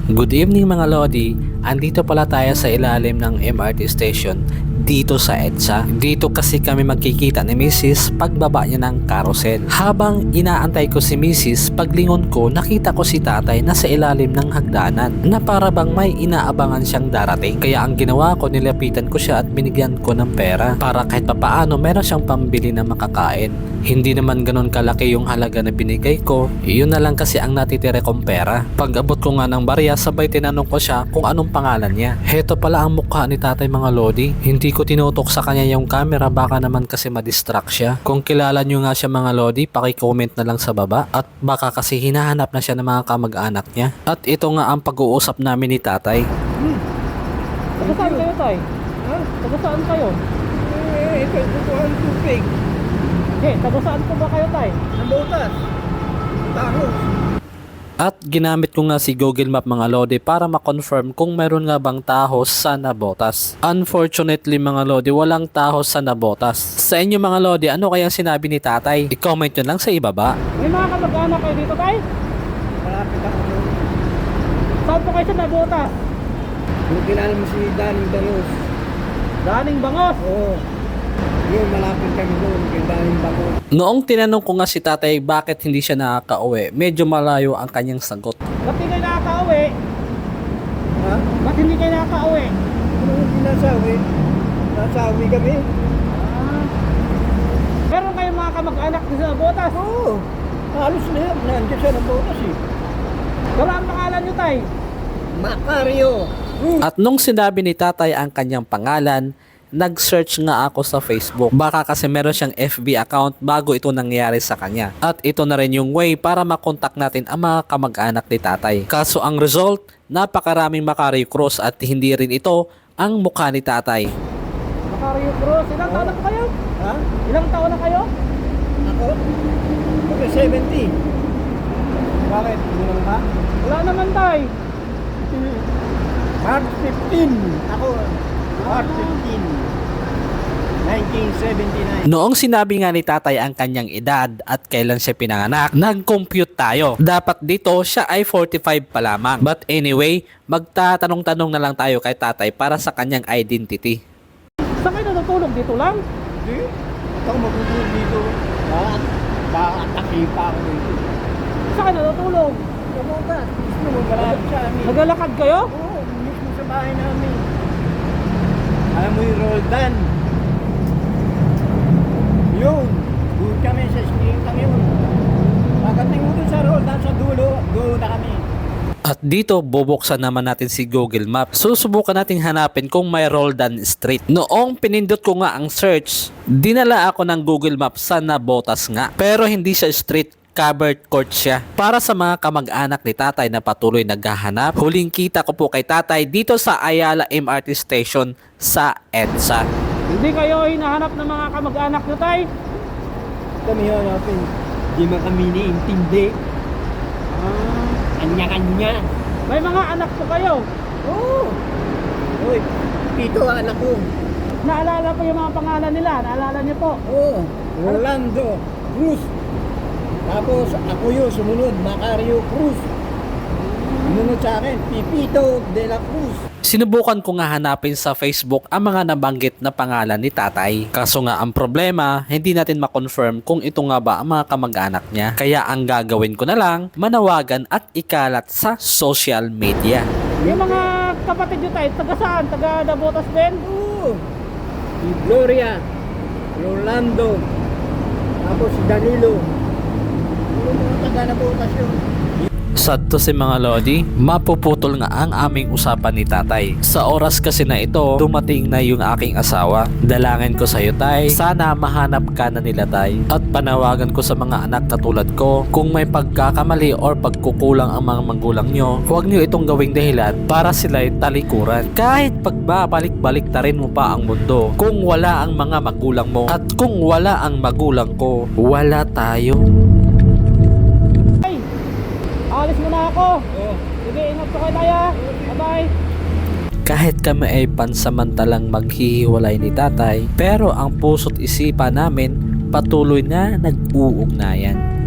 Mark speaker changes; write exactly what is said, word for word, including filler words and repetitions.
Speaker 1: Good evening mga Lodi, andito pala tayo sa ilalim ng M R T station dito sa EDSA. Dito kasi kami magkikita ni Missus pagbaba niya ng carousel. Habang inaantay ko si Missus, paglingon ko nakita ko si tatay na sa ilalim ng hagdanan na para bang may inaabangan siyang darating. Kaya ang ginawa ko, nilapitan ko siya at binigyan ko ng pera para kahit papaano meron siyang pambili na makakain. Hindi naman ganun kalaki yung halaga na binigay ko, yun na lang kasi ang natitire kong pera. Pag abot ko nga ng barya, sabay tinanong ko siya kung anong pangalan niya. Heto pala ang mukha ni tatay mga Lodi. Hindi ko tinutok sa kanya yung camera, baka naman kasi madistract siya. Kung kilala nyo nga siya mga Lodi, paki-comment na lang sa baba. At baka kasi hinahanap na siya ng mga kamag-anak niya. At ito nga ang pag-uusap namin ni tatay.
Speaker 2: Hmm. Taga saan kayo, tay? Ha? Taga saan kayo? Eh, ito, ito ang tubig. Eh, taga saan po ba kayo, tay? Nabutas. Taros.
Speaker 1: At ginamit ko nga si Google Map mga Lodi para ma-confirm kung meron nga bang tahos sa Nabotas. Unfortunately mga Lodi, walang tahos sa Nabotas. Sa inyo mga Lodi, ano kaya sinabi ni tatay? I-comment nyo lang sa ibaba.
Speaker 2: May mga kamag-anak kayo dito, tay? Malapit ako doon. Saan po kayo sa Nabotas?
Speaker 3: Kung kilala mo si Daning Bangos.
Speaker 2: Daning Bangos?
Speaker 3: Oo. Yun, malapit kami doon kay Daning Bangos.
Speaker 1: Noong tinanong ko nga si tatay bakit hindi siya nakaka-uwi, medyo malayo ang kanyang sagot.
Speaker 2: Ba't hindi kayo nakaka-uwi?
Speaker 3: Ha?
Speaker 2: Ba't hindi kayo nakaka-uwi?
Speaker 3: Ano hindi nasawi? Nasawi kami?
Speaker 2: Ah. Meron kayong mga kamag-anak dito sa Nabotas?
Speaker 3: Oo. Halos na yan. Nandiyan siya ng botas eh.
Speaker 2: Pero ang pangalan nyo, tay?
Speaker 3: Macario. Hmm.
Speaker 1: At nung sinabi ni tatay ang kanyang pangalan, nag-search nga ako sa Facebook. Baka kasi meron siyang F B account bago ito nangyari sa kanya. At ito na rin yung way para makontak natin ang mga kamag-anak ni tatay. Kaso ang result, napakaraming Macario Cruz at hindi rin ito ang mukha ni tatay.
Speaker 2: Macario Cruz. Ilang taon na po kayo?
Speaker 3: Ha?
Speaker 2: Ilang taon na kayo?
Speaker 3: Ako? Okay, seventy. Bakit? Ilang ka?
Speaker 2: Wala naman, tay.
Speaker 3: March fifteen. Ako, March fifteen. nineteen seventy-nine.
Speaker 1: Noong sinabi nga ni tatay ang kanyang edad at kailan siya pinanganak, nag-compute tayo. Dapat dito siya ay forty-five pa lamang. But anyway, magtatanong-tanong na lang tayo kay tatay para sa kanyang identity.
Speaker 2: Saan kayo natutulog? Dito lang?
Speaker 3: Hindi. Ito ako magugulog dito. Ha? Ba-atake pa ako dito.
Speaker 2: Saan kayo natutulog?
Speaker 3: Sa botas. Gusto mo malapit sa amin.
Speaker 2: Naglalakad kayo?
Speaker 3: Oo, mismo sa bahay namin. Alam mo yung Roldan? Yun. Doon kami sa Spiritang yun. Pagdating mo dun sa Roldan sa dulo, doon na kami.
Speaker 1: At dito, bubuksan naman natin si Google Maps. Susubukan natin hanapin kung may Roldan Street. Noong pinindot ko nga ang search, dinala ako ng Google Maps sa Nabotas nga. Pero hindi siya street, covered court siya. Para sa mga kamag-anak ni tatay na patuloy naghahanap, huling kita ko po kay tatay dito sa Ayala M R T Station sa EDSA.
Speaker 2: Hindi kayo hinahanap ng mga kamag-anak nyo, tay?
Speaker 3: Kami hanapin. Di man kami niintindi.
Speaker 2: Ah,
Speaker 3: Kanya-kanya.
Speaker 2: may mga anak po kayo.
Speaker 3: Oo. Uy, pito ang anak ko.
Speaker 2: Naalala po yung mga pangalan nila. Naalala niyo po.
Speaker 3: Oo. Rolando Cruz. Tapos ako yun, sumunod, Macario Cruz. Sumunod sa akin, Pipito de la Cruz.
Speaker 1: Sinubukan ko nga hanapin sa Facebook ang mga nabanggit na pangalan ni tatay. Kaso nga ang problema, hindi natin makonfirm kung ito nga ba ang mga kamag-anak niya. Kaya ang gagawin ko na lang, manawagan at ikalat sa social media.
Speaker 2: Yung mga kapatid nyo, tay, taga saan? Taga Nabotas din?
Speaker 3: Oo. Si Gloria, Rolando, tapos si Danilo. Yung mga taga na bukas yun.
Speaker 1: Sad to si mga Lodi, mapuputol nga ang aming usapan ni tatay. Sa oras kasi na ito, dumating na yung aking asawa. Dalangin ko sa iyo tay, sana mahanap ka na nila tay. At panawagan ko sa mga anak na tulad ko, kung may pagkakamali or pagkukulang ang mga magulang nyo, huwag nyo itong gawing dahilan para sila'y talikuran. Kahit pagbabalik-balik ta rin mo pa ang mundo, kung wala ang mga magulang mo, at kung wala ang magulang ko, wala tayo.
Speaker 2: Alis muna ako.
Speaker 3: Oo.
Speaker 2: Sige, ingat po kayo, tay, ah. Bye-bye.
Speaker 1: Kahit kami ay pansamantalang maghihiwalay ni tatay, pero ang puso't isipan namin patuloy na nag-uugnayan.